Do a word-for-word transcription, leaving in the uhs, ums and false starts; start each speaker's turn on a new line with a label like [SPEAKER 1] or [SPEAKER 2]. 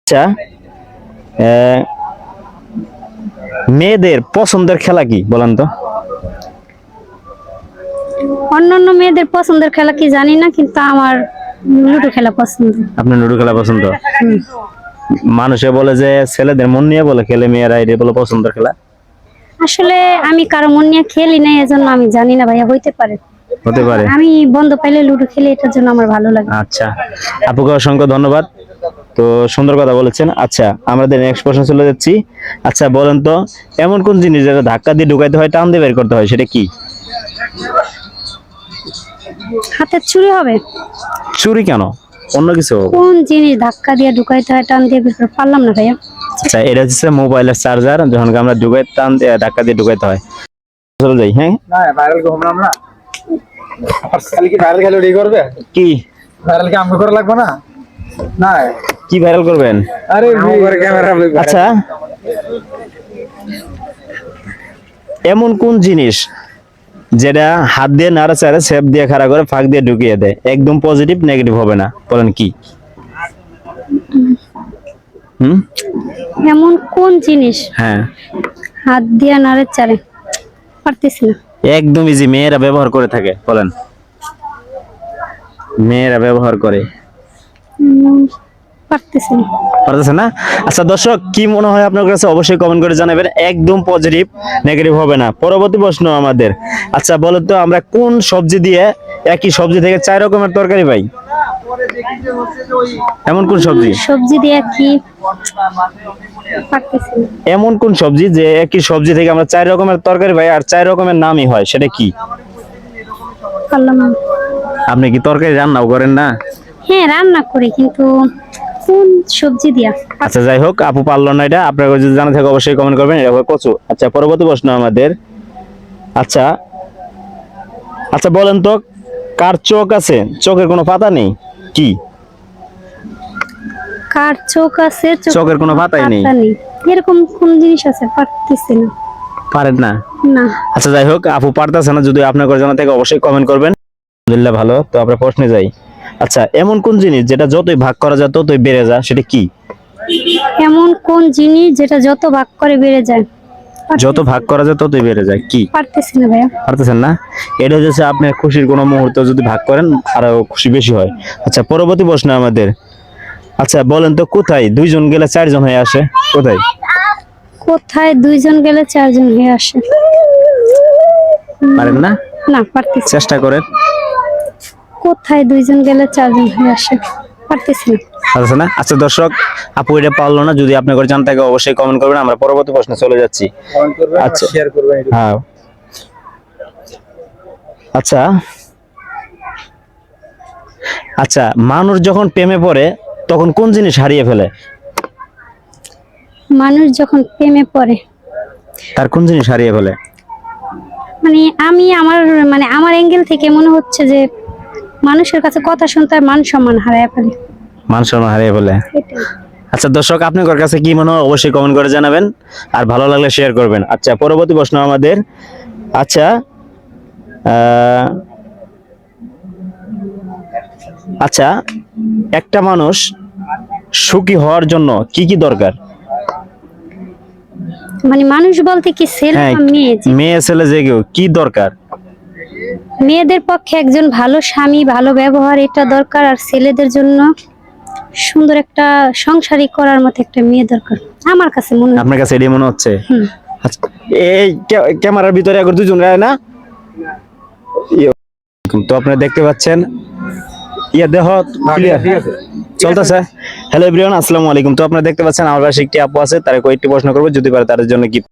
[SPEAKER 1] আচ্ছা, আহ, মেয়েদের পছন্দের খেলা কি বলেন তো?
[SPEAKER 2] অন্যান্য মেয়েদের পছন্দের খেলা কি জানি না, কিন্তু আমার লুডো খেলা পছন্দ।
[SPEAKER 1] আপনার লুডো খেলা পছন্দ? মানুষে বলে যে ছেলেদের মন নিয়ে বলে খেলে, মেয়েরা এটা বলে পছন্দের খেলা।
[SPEAKER 2] আসলে আমি কারো মন নিয়ে খেলি না, এজন্য আমি জানি না ভাইয়া, হইতে পারে
[SPEAKER 1] হতে পারে।
[SPEAKER 2] আমি বন্ধ পাইলে লুডো খেলি, এটার জন্য আমার ভালো লাগে।
[SPEAKER 1] আচ্ছা, আপুকে অসংখ্য ধন্যবাদ, তো সুন্দর কথা বলেছেন। আচ্ছা, আমাদের নেক্সট প্রশ্ন চলে যাচ্ছি। আচ্ছা বলেন তো, এমন কোন জিনিস যেটা ধাক্কা দিয়ে ঢুকাইতে হয়, টান দিয়ে বের করতে হয়, সেটা কি?
[SPEAKER 2] হাতের চুরি হবে?
[SPEAKER 1] চুরি কেন, অন্য কিছু?
[SPEAKER 2] কোন জিনিস ধাক্কা দিয়ে ঢুকাইতে হয় টান দিয়ে বের করতে পারলাম না ভাইয়া।
[SPEAKER 1] আচ্ছা, এটা হচ্ছে মোবাইলের চার্জার, যখন আমরা ঢুকাই টান দিয়ে ধাক্কা দিয়ে ঢুকাইতে হয়। চলে যাই। হ্যাঁ,
[SPEAKER 3] না ভাইরাল ঘুমলাম না, খালি কি ভাইরাল খেলে রেডি করবে?
[SPEAKER 1] কি
[SPEAKER 3] ভাইরাল কি আমগো করা লাগবে না? না
[SPEAKER 1] কি ভাইরাল করবেন?
[SPEAKER 3] আরে আমার ক্যামেরা।
[SPEAKER 1] আচ্ছা, এমন কোন জিনিস যেটা হাত দিয়ে নাড়াচাড়া সেপ দিয়ে খাড়া করে ফাঁক দিয়ে ঢুকিয়ে দেয়, একদম পজিটিভ নেগেটিভ হবে না, বলেন কি? হুম,
[SPEAKER 2] এমন কোন জিনিস
[SPEAKER 1] হ্যাঁ,
[SPEAKER 2] হাত দিয়ে নাড়ে চারে? পারতেছি না।
[SPEAKER 1] একদম ইজি, মেয়েরা ব্যবহার করে থাকে, বলেন। মেয়েরা ব্যবহার করে,
[SPEAKER 2] উম, পারতেছি না।
[SPEAKER 1] পারতেছে না? আচ্ছা দর্শক, কি মনে হয় আপনার কাছে, অবশ্যই কমেন্ট করে জানাবেন। একদম পজিটিভ নেগেটিভ হবে না। পরবর্তী প্রশ্ন আমাদের। আচ্ছা বলেন তো, আমরা কোন সবজি দিয়ে একই সবজি থেকে চার রকমের তরকারি পাই? এমন কোন সবজি?
[SPEAKER 2] সবজি দিয়ে কি? পারতেছি না।
[SPEAKER 1] এমন কোন সবজি যে একই সবজি থেকে আমরা চার রকমের তরকারি পাই আর চার রকমের নামই হয়, সেটা কি?
[SPEAKER 2] পারলাম না।
[SPEAKER 1] আপনি কি তরকারি রান্নাও করেন না?
[SPEAKER 2] হ্যাঁ রান্না করি, কিন্তু কোন সবজি দিয়া?
[SPEAKER 1] আচ্ছা যাই হোক, আপু পারলো না এটা, আপনার যদি জানা থাকে অবশ্যই কমেন্ট করবেন। এটা হবে কচু। আচ্ছা, পরবর্তী প্রশ্ন আমাদের। আচ্ছা আচ্ছা বলেন তো, কার চোখ আছে চোখের কোনো পাতা নেই, কি?
[SPEAKER 2] কার চোখ আছে
[SPEAKER 1] চোখের কোনো পাতাই নেই।
[SPEAKER 2] পাতা নেই, এরকম কোন জিনিস আছে? পারতেছি না।
[SPEAKER 1] পারেন না?
[SPEAKER 2] না।
[SPEAKER 1] আচ্ছা যাই হোক, আপু পারতেছে না, যদি আপনার কাছে জানা থাকে অবশ্যই কমেন্ট করবেন। আলহামদুলিল্লাহ ভালো, তো আমরা প্রশ্নে যাই। আচ্ছা, এমন কোন জিনিস যেটা যতই ভাগ করা যায় ততই বেড়ে যায়, সেটা কি?
[SPEAKER 2] এমন কোন জিনিস যেটা যত ভাগ করে বেড়ে যায়?
[SPEAKER 1] যত ভাগ করা যায় ততই বেড়ে যায়, কি?
[SPEAKER 2] পারতেছি না ভাইয়া।
[SPEAKER 1] পারতেছেন না? এটা হচ্ছে আপনার খুশির কোনো মুহূর্ত যদি ভাগ করেন আরো খুশি বেশি হয়। আচ্ছা, পরবর্তী প্রশ্ন আমাদের। আচ্ছা বলেন তো, কোথায় দুইজন গেলে চারজন হয়ে আসে, কোথায়?
[SPEAKER 2] কোথায় দুইজন গেলে চারজন হয়ে আসে?
[SPEAKER 1] পারেন না?
[SPEAKER 2] না, পারতেছি।
[SPEAKER 1] চেষ্টা করেন।
[SPEAKER 2] কোথায় দুইজন গেলে চারজন হয়ে আসে? পারতেছি না।
[SPEAKER 1] পারতেছে না? আচ্ছা দর্শক, আপু এটা পারলো না, যদি আপনার কাছে জানতে থাকে অবশ্যই কমেন্ট করবেন। আমরা পরবর্তী প্রশ্নে চলে যাচ্ছি।
[SPEAKER 3] কমেন্ট করবেন,
[SPEAKER 1] আচ্ছা।
[SPEAKER 3] শেয়ার করবেন।
[SPEAKER 1] হ্যাঁ, আচ্ছা আচ্ছা মানুষ যখন প্রেমে পড়ে তখন কোন জিনিস হারিয়ে ফেলে?
[SPEAKER 2] মানুষ যখন প্রেমে পড়ে
[SPEAKER 1] তার কোন জিনিস হারিয়ে ফেলে?
[SPEAKER 2] মানে আমি আমার মানে আমার অ্যাঙ্গেল থেকে মনে হচ্ছে যে মানুষের কাছে কথা শুনতে আর মান সম্মান হারায় ফেলে।
[SPEAKER 1] মান সম্মান হারিয়ে ফেলে।
[SPEAKER 2] এটাই।
[SPEAKER 1] আচ্ছা দর্শক, আপনার কাছে কি মনে হয় অবশ্যই কমেন্ট করে জানাবেন, আর ভালো লাগলে শেয়ার করবেন। আচ্ছা, পরবর্তী প্রশ্ন আমাদের। আচ্ছা আহ, আচ্ছা একটা মানুষ সুখী হওয়ার জন্য কি কি দরকার?
[SPEAKER 2] মানে মানুষ বলতে কি ছেলে
[SPEAKER 1] হ্যাঁ,
[SPEAKER 2] না মেয়ে? যে-
[SPEAKER 1] মেয়ে ছেলে যে কেউ, কি দরকার?
[SPEAKER 2] মেয়েদের পক্ষে একজন ভালো স্বামী, ভালো ব্যবহার, এটা দরকার। আর ছেলেদের জন্য সুন্দর একটা সংসারী করার মতো একটা মেয়ে দরকার আমার কাছে মনে হয়।
[SPEAKER 1] আপনার কাছে এটাই মনে হচ্ছে?
[SPEAKER 2] হুম।
[SPEAKER 1] আচ্ছা, এই ক্যা- ক্যামেরার ভিতরে এখন দুজন রায় না, ইয়ে, তো আপনারা দেখতে পাচ্ছেন, ইয়া দেহ ক্লিয়ার
[SPEAKER 3] ঠিক আছে।
[SPEAKER 1] চলতেছে। হ্যালো এভরিওয়ান, আসসালামু আলাইকুম। তো আপনারা দেখতে পাচ্ছেন আমার পাশে একটি আপু আছে, তার কয়েকটি প্রশ্ন করবো, যদি পারে তাদের জন্য কি